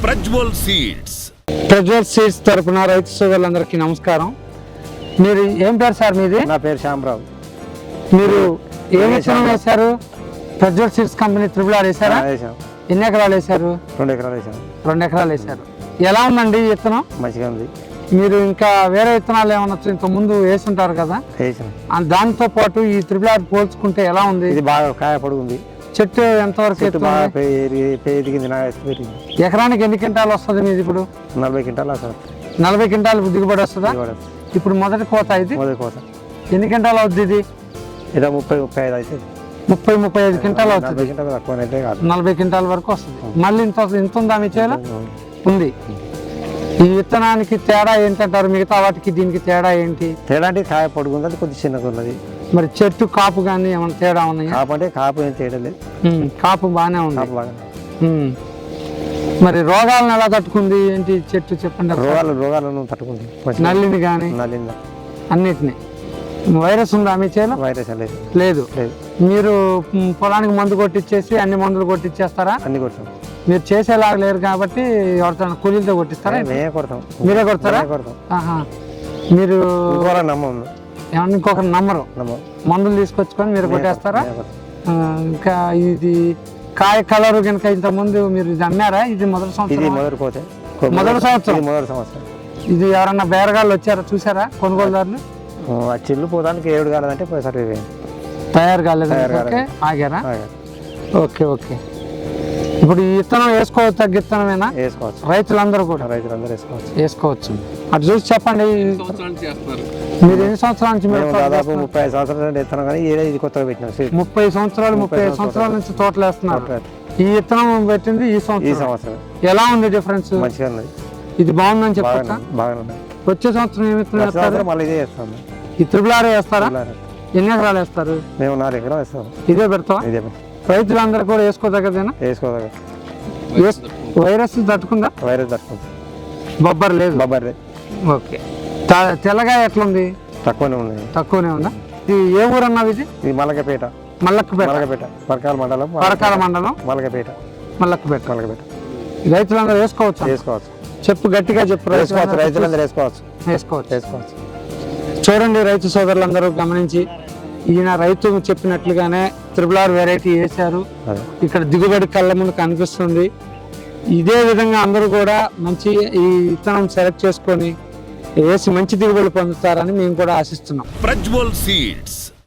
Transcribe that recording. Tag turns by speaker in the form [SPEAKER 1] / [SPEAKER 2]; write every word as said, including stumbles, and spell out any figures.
[SPEAKER 1] Prajwal seeds.
[SPEAKER 2] Prajwal seeds తరపున రైతు సోదరులందరికీ నమస్కారం. మీరు ఏం పేరు సార్ మీది?
[SPEAKER 3] నా పేరు శ్యామరావు.
[SPEAKER 2] మీరు ఏ విత్తనం వేశారు? Prajwal seeds company triple R వేశారా? ఎన్ని ఎకరాలు వేశారు?
[SPEAKER 3] రెండు ఎకరాలు వేసాను.
[SPEAKER 2] రెండు ఎకరాలు వేశారు. ఎలా ఉందండి ఈ విత్తనం?
[SPEAKER 3] మంచిగా ఉంది.
[SPEAKER 2] మీరు ఇంకా వేరే విత్తనాలు ఏమన్నా ఇంత ముందు వేసి ఉంటారు కదా, దాంతో పాటు ఈ త్రిబుల్ ఆర్ పోల్చుకుంటే ఎలా ఉంది?
[SPEAKER 3] ఇది బాగా కాయ పొడుగుంది.
[SPEAKER 2] చెట్టు ఎంతవరకు
[SPEAKER 3] ఎదిగింది.
[SPEAKER 2] ఎకరానికి ఎన్ని క్వింటాలు వస్తుంది మీది ఇప్పుడు?
[SPEAKER 3] నలభై క్వింటాలు వస్తుంది.
[SPEAKER 2] నలభై క్వింటాలు దిగుబడి వస్తుందా? ఇప్పుడు మొదటి కోత ఇది
[SPEAKER 3] మొదటి కోత
[SPEAKER 2] ఎన్ని క్వింటాలు అవుతుంది? ఇది
[SPEAKER 3] ఏదో ముప్పై ముప్పై ఐదు అవుతుంది.
[SPEAKER 2] ముప్పై ముప్పై ఐదు క్వింటాలు అవుతుంది.
[SPEAKER 3] తక్కువ కాదు,
[SPEAKER 2] నలభై క్వింటాల వరకు వస్తుంది. మళ్ళీ ఇంత ఇంత ఉందా మీ చేలో? ఉంది. ఈ విత్తనానికి తేడా ఏంటంటారు? మిగతా వాటికి దీనికి తేడా ఏంటి?
[SPEAKER 3] తేడా అంటే కాయ పొడుగుంది, అది కొద్దిగా చిన్నగా ఉన్నది.
[SPEAKER 2] మరి చెట్టు కాపు కానీ ఏమైనా తేడా ఉన్నాయి?
[SPEAKER 3] కాపు అంటే కాపు ఏం తేడా లేదు.
[SPEAKER 2] కాపు బాగానే ఉంది.
[SPEAKER 3] కాపు బాగా.
[SPEAKER 2] మరి రోగాలను ఎలా తట్టుకుంది ఏంటి చెట్టు చెప్పండి.
[SPEAKER 3] రోగాలు రోగాలను తట్టుకుంది.
[SPEAKER 2] నల్లిని కానీ
[SPEAKER 3] నల్లింది
[SPEAKER 2] అన్నిటిని. వైరస్ ఉందా మీ చేలో?
[SPEAKER 3] వైరస్ లేదు.
[SPEAKER 2] లేదు. మీరు పొలానికి మందు కొట్టించేసి అన్ని మందులు కొట్టించేస్తారా?
[SPEAKER 3] అన్ని కొడతాం.
[SPEAKER 2] మీరు చేసేలాగా లేరు కాబట్టి ఎవరితో కూలీలతో కొట్టిస్తారా?
[SPEAKER 3] మేమే కొడతాం.
[SPEAKER 2] మీరే కొడతారా? మీరు
[SPEAKER 3] నమ్మం.
[SPEAKER 2] ఏమన్నా ఇంకొకరు నమ్మరు. మందులు తీసుకొచ్చుకొని మీరు కొట్టేస్తారా? ఇంకా ఇది కాయ కలర్ కనుక ఇంత ముందు మీరు ఇది అమ్మారా? ఇది మొదటి సంవత్సరం. మొదటి సంవత్సరం
[SPEAKER 3] మొదటి సంవత్సరం
[SPEAKER 2] ఇది ఎవరన్నా బేరగాళ్ళు వచ్చారా చూసారా కొనుగోలుదారులు?
[SPEAKER 3] చిల్లు పోదానికి ఏడు కాలేదంటే పోయేసరి
[SPEAKER 2] తయారు కాలేదు, ఆగారా? Okay okay. ఇప్పుడు ఈ విత్తనం వేసుకోవచ్చు, తగ్గ విత్తనమేనా?
[SPEAKER 3] వేసుకోవచ్చు.
[SPEAKER 2] రైతులందరూ కూడా
[SPEAKER 3] రైతులందరూ వేసుకోవచ్చు
[SPEAKER 2] వేసుకోవచ్చు అటు చూసి చెప్పండి. మీరు ఎన్ని సంవత్సరాల నుంచి?
[SPEAKER 3] దాదాపు ముప్పై ఐదు సంవత్సరాలు వేస్తున్నాం కానీ ఇది కొత్తగా పెట్టినాం.
[SPEAKER 2] ముప్పై సంవత్సరాలు ముప్పై ఐదు సంవత్సరాల నుంచి తోటలు వేస్తున్నారు. ఈ విత్తనం పెట్టింది ఈ సంవత్సరం.
[SPEAKER 3] ఈ సంవత్సరం
[SPEAKER 2] ఎలా ఉంది డిఫరెన్స్?
[SPEAKER 3] మంచిగా ఉన్నది.
[SPEAKER 2] ఇది బాగుందని చెప్పొచ్చా?
[SPEAKER 3] బాగుంది.
[SPEAKER 2] వచ్చే సంవత్సరం ఏ విత్తనం వేస్తారు?
[SPEAKER 3] మళ్ళీ ఇదే వేస్తాం.
[SPEAKER 2] ఈ త్రిబుల్ ఆర్ వేస్తారా? ఎన్ని ఎకరాలు వేస్తారు?
[SPEAKER 3] మేము నాలుగు ఎకరాలు వేస్తాం.
[SPEAKER 2] ఇదే పెడతావా?
[SPEAKER 3] ఇదే.
[SPEAKER 2] రైతులందరూ కూడా వేసుకోదగ్గదేనా?
[SPEAKER 3] వేసుకోదగ్గ.
[SPEAKER 2] వైరస్ తట్టుకుందా?
[SPEAKER 3] వైరస్ తట్టుకుంది.
[SPEAKER 2] బొబ్బర్ లేదు.
[SPEAKER 3] బొబ్బర్ లేదు.
[SPEAKER 2] ఓకే. తెల్లగా ఎట్లుంది?
[SPEAKER 3] తక్కువనే ఉంది.
[SPEAKER 2] తక్కువనే ఉందా? ఇది ఏ ఊరు అన్నది? ఇది
[SPEAKER 3] ఇది మల్లకపేట.
[SPEAKER 2] మల్లకపేట.
[SPEAKER 3] మల్లకపేట పరకాల మండలం.
[SPEAKER 2] పరకాల మండలం
[SPEAKER 3] మల్లకపేట.
[SPEAKER 2] మల్లకపేట.
[SPEAKER 3] మల్లకపేట.
[SPEAKER 2] రైతులందరూ వేసుకోవచ్చు.
[SPEAKER 3] వేసుకోవచ్చు.
[SPEAKER 2] చెప్పు గట్టిగా చెప్పు.
[SPEAKER 3] వేసుకోవచ్చు. రైతులందరూ వేసుకోవచ్చు.
[SPEAKER 2] వేసుకోవచ్చు
[SPEAKER 3] వేసుకోవచ్చు.
[SPEAKER 2] చూడండి రైతు సోదరులందరూ గమనించి, ఈయన రైతు చెప్పినట్లుగానే త్రిబుల్ ఆర్ వెరైటీ వేశారు. ఇక్కడ దిగుబడి కళ్ళ ముందు కనిపిస్తుంది. ఇదే విధంగా అందరూ కూడా మంచి ఈ విత్తనం సెలెక్ట్ చేసుకొని వేసి మంచి దిగుబడి పొందుతారని మేము కూడా ఆశిస్తున్నాం.
[SPEAKER 1] ప్రజ్వల్ సీడ్స్.